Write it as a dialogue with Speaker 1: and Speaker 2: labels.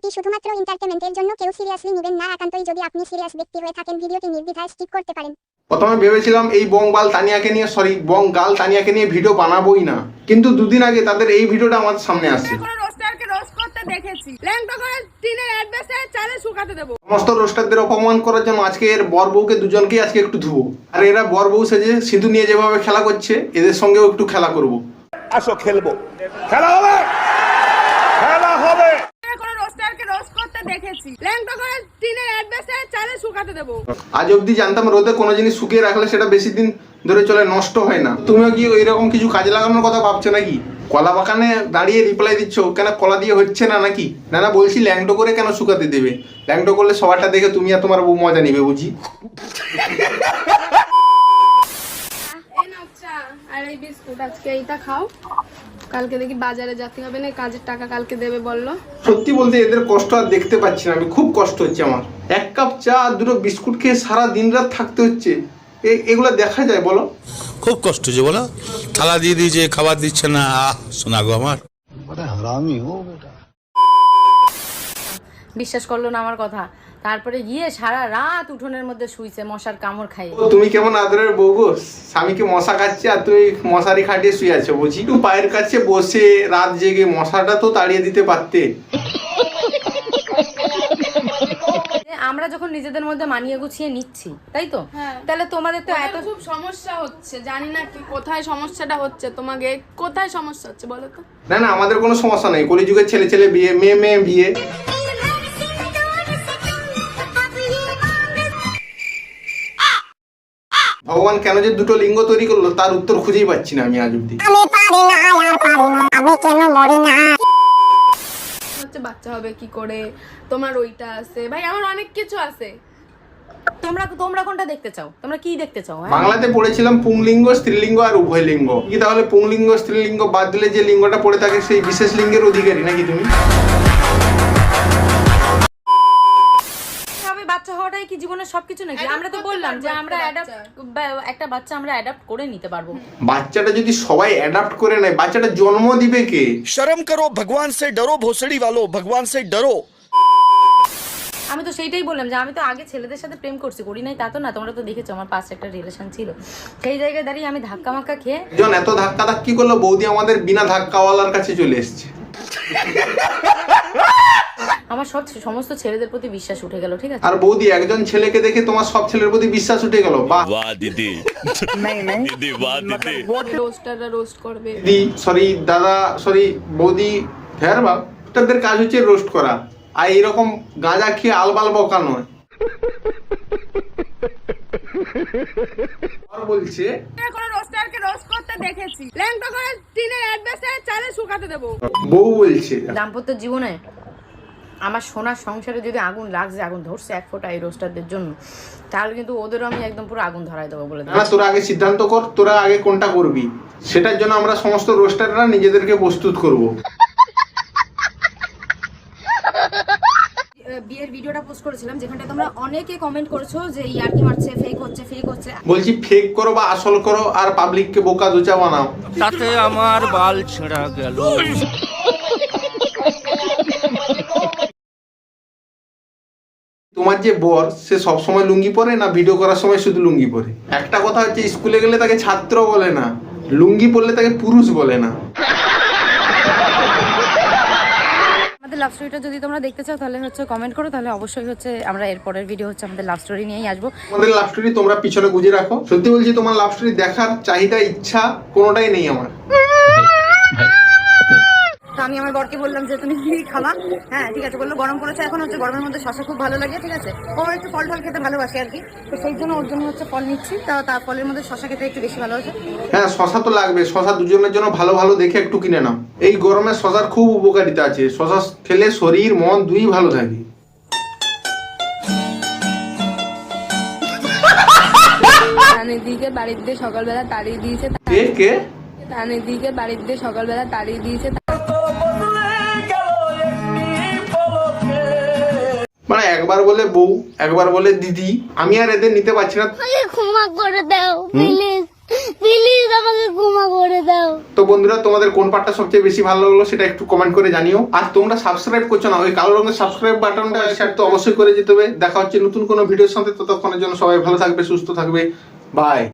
Speaker 1: এটি শুধুমাত্র এন্টারটেইনমেন্টের জন্য, কেউ সিরিয়াসলি নেবেন না। একান্তই যদি আপনি সিরিয়াস ব্যক্তি হয়ে থাকেন, ভিডিওটি নির্দ্বিধায় স্কিপ করতে পারেন।
Speaker 2: প্রথমে ভেবেছিলাম এই বংগাল তানিয়াকে নিয়ে ভিডিও বানাবোই না, কিন্তু দুদিন আগে তাদের এই ভিডিওটা আমার সামনে আসছে। সমস্ত রোস্টারদের অপমান করার জন্য আজকে এর বর বউকে দুজনকেই আজকে একটু ধুবো, আর এরা বর বউ সেজে সিঁদুর নিয়ে যেভাবে খেলা করছে এদের সঙ্গেও একটু খেলা করবো।
Speaker 3: আসো খেলবো, খেলা হবে, খেলা হবে।
Speaker 2: আজ অব্দি জানতাম রোদে কোনো জিনিস শুকিয়ে রাখলে সেটা বেশি দিন ধরে চলে, নষ্ট হয় না। তুমিও কি এরকম কিছু কাজে লাগানোর কথা ভাবছো নাকি? কলা বাগানে দাঁড়িয়ে রিপ্লাই দিচ্ছ কেন? কলা দিয়ে হচ্ছে না নাকি? না বলছি ল্যাংটো করে কেন শুকাতে দেবে? ল্যাংটো করলে সবারটা দেখে তুমি আর তোমার বউ মজা নিবে বুঝি।
Speaker 4: আর এই বিস্কুট আজকে এইটা খাও, কালকে দেখি বাজারে যেতে হবে না, কাজের টাকা কালকে দেবে বললো।
Speaker 2: সত্যি বলতে এদের কষ্ট আর দেখতে পাচ্ছি না আমি, খুব কষ্ট হচ্ছে আমার। এক কাপ চা আর দুটো বিস্কুট খেয়ে সারা দিন রাত থাকতে হচ্ছে, এগুলো দেখা যায় বলো?
Speaker 5: খুব কষ্ট হচ্ছে বলো। থালা দিয়ে দিয়েছে, খাবার দিচ্ছে না। শোনা গো আমার,
Speaker 6: বিশ্বাস করলো না আমার কথা, তারপরে গিয়ে সারা রাত উঠোনের মধ্যে শুইছে মশার কামড় খাই।
Speaker 2: তুমি কেমন আদরের বউ গো, স্বামীকে মশা খাচ্ছে আর তুমি মশারি খাটিয়ে শুয়ে আছো বুঝি। একটু পায়ের কাছে বসে রাত জেগে মশাটা তো তাড়িয়ে দিতে পারতে।
Speaker 6: আমরা যখন নিজেদের মধ্যে মানিয়ে গুছিয়ে নিচ্ছি, তাই তো? তাহলে তোমাদের তো এত
Speaker 4: খুব সমস্যা হচ্ছে, জানি না কি কোথায় সমস্যাটা হচ্ছে, তোমাকে কোথায় সমস্যা হচ্ছে বলো তো?
Speaker 2: না আমাদের কোনো সমস্যা নেই, কলিযুগের ছেলে বিয়ে, মেয়ে বিয়ে। ভগবান কেন যে দুটো লিঙ্গ তৈরি করলো তার উত্তর খুঁজেই পাচ্ছি না আমি আজ অব্দি।
Speaker 4: হচ্ছে বাচ্চা হবে কি করে, তোমার ওইটা আছে ভাই, আমার অনেক কিছু আছে।
Speaker 6: তোমরা কোনটা দেখতে চাও? তোমরা কি দেখতে চাও?
Speaker 2: বাংলাতে পড়েছিলাম পুংলিঙ্গ, স্ত্রীলিঙ্গ আর উভয় লিঙ্গ। কি তাহলে পুংলিঙ্গ স্ত্রীলিঙ্গ বাদ দিলে যে লিঙ্গটা পড়ে থাকে সেই বিশেষ লিঙ্গের অধিকারী নাকি তুমি?
Speaker 6: বাচ্চা হওয়াটাই কি জীবনের সবকিছু নাকি? আমরা তো বললাম যে আমরা একটা বাচ্চা আমরা অ্যাডাপ্ট করে নিতে পারবো।
Speaker 2: বাচ্চাটা যদি সবাই অ্যাডাপ্ট করে নেয়, বাচ্চাটা জন্ম দিবে কে?
Speaker 5: শরম করো, ভগবান সে ডরো, ভোসড়ি वालो, ভগবান সে ডরো।
Speaker 6: আমি তো সেইটাই বললাম যে আমি তো আগে ছেলেদের সাথে প্রেম করি নাই তা তো না। তোমরা তো দেখেছো আমার পাশে একটা রিলেশন ছিল, সেই জায়গায় দাঁড়িয়ে আমি ধাক্কা মাক্কা খেয়ে
Speaker 2: এত ধাক্কি করলো, বৌদি আমাদের বিনা ধাক্কাওয়ালার কাছে চলে এসছে।
Speaker 6: আমার সমস্ত ছেলেদের প্রতি বিশ্বাস উঠে গেল, ঠিক আছে?
Speaker 2: আর বৌদি একজন ছেলেকে দেখে তোমার সব ছেলের প্রতি বিশ্বাস উঠে গেল। বাহ
Speaker 5: দিদি, দিদি বাহ দিদি।
Speaker 4: রোস্টাররা রোস্ট করবে।
Speaker 2: দিদি সরি, দাদা সরি, বৌদি ফের বাপ, তাদের কাজ হচ্ছে রোস্ট করা, আর এরকম গাঁজা খেয়ে আলবাল বকা নয়। আর বলছে
Speaker 4: কোন রোস্টারকে রোস্ট করতে দেখেছি, ল্যাংটো করে টিনের অ্যাডভেসে চালে শুকাতে দেব।
Speaker 2: বউ বলছে
Speaker 6: দাম্পত্য জীবনে আমার সোনার সংসারে যদি আগুন লাগছে, আগুন ধরছে এক ফোঁটা এই রোস্টারদের জন্য, তাহলে কিন্তু ওদেরও আমি একদম পুরো আগুন ধরাই দেবো বলে দিই।
Speaker 2: না তোরা আগে সিদ্ধান্ত কর, তোরা আগে কোনটা করবি, সেটার জন্য আমরা সমস্ত রোস্টাররা নিজেদেরকে প্রস্তুত করব।
Speaker 6: বিয়ের ভিডিওটা পোস্ট করেছিলাম যেখানটা তোমরা অনেকে কমেন্ট করেছো যে ইয়ার্কি মারছে, ফেক হচ্ছে।
Speaker 2: বলছি ফেক করো বা আসল করো, আর পাবলিককে বোকা দোচা বানাও।
Speaker 7: তাতে আমার বাল ছেঁড়া গেল।
Speaker 2: তোমার যে বর, সে সব সময় লুঙ্গি পরে না ভিডিও করার সময় শুধু লুঙ্গি পরে? একটা কথা হচ্ছে, স্কুলে গেলে তাকে ছাত্র বলে না, লুঙ্গি পরলে তাকে পুরুষ বলে না।
Speaker 6: আমাদের লাভ স্টোরিটা যদি তোমরা দেখতে চাও তাহলে হচ্ছে কমেন্ট করো, তাহলে অবশ্যই হচ্ছে আমরা এর পরের ভিডিও হচ্ছে আমাদের লাভ স্টোরি নিয়েই আসবো।
Speaker 2: আমাদের লাভ স্টোরি তোমরা পিছনে গুজে রাখো। সত্যি বলছি, তোমার লাভ স্টোরি দেখার চাহিদা, ইচ্ছা কোনোটাই নেই আমার।
Speaker 6: তো আমি আমার বরকে বললাম যে তুমি কি খাবা? হ্যাঁ ঠিক আছে বললো, গরম করেছে, এখন হচ্ছে গরমের মধ্যে শশা খুব ভালো লাগে, ঠিক আছে? ও একটু ফল খেতে ভালোবাসে আর কি, তো সেই জন্য ওর জন্য হচ্ছে ফল নিচ্ছি। তার ফলের মধ্যে শশা খেতে একটু বেশি ভালোবাসে।
Speaker 2: হ্যাঁ শশা তো লাগবে, শশা দুজনের জন্য ভালো দেখে একটু কিনে নাও। এই গরমে শশার খুব উপকারিতা আছে, শশা খেলে শরীর মন দুই ভালো থাকে।
Speaker 4: তানিদিকে বাড়িতে সকালবেলা তাড়িয়ে দিয়েছে।
Speaker 2: কে?
Speaker 4: তানিদিকে বাড়িতে সকালবেলা তাড়িয়ে দিয়েছে।
Speaker 2: মানে একবার বলে বউ, একবার বলে দিদি, আমি আর এদের নিতে পারছি না।
Speaker 1: ক্ষমা করে দাও প্লিজ, প্লিজ আমাকে ক্ষমা করে দাও।
Speaker 2: তো বন্ধুরা তোমাদের কোন পার্টটা সবচেয়ে বেশি ভালো লাগলো সেটা একটু কমেন্ট করে জানিও। আর তোমরা সাবস্ক্রাইব করছো না, ওই কালো রঙের সাবস্ক্রাইব বাটনটা শেয়ার তো অবশ্যই করে যেতে হবে। দেখা হচ্ছে নতুন কোনো ভিডিওর সাথে, ততক্ষণের জন্য সবাই ভালো থাকবে, সুস্থ থাকবে, বাই।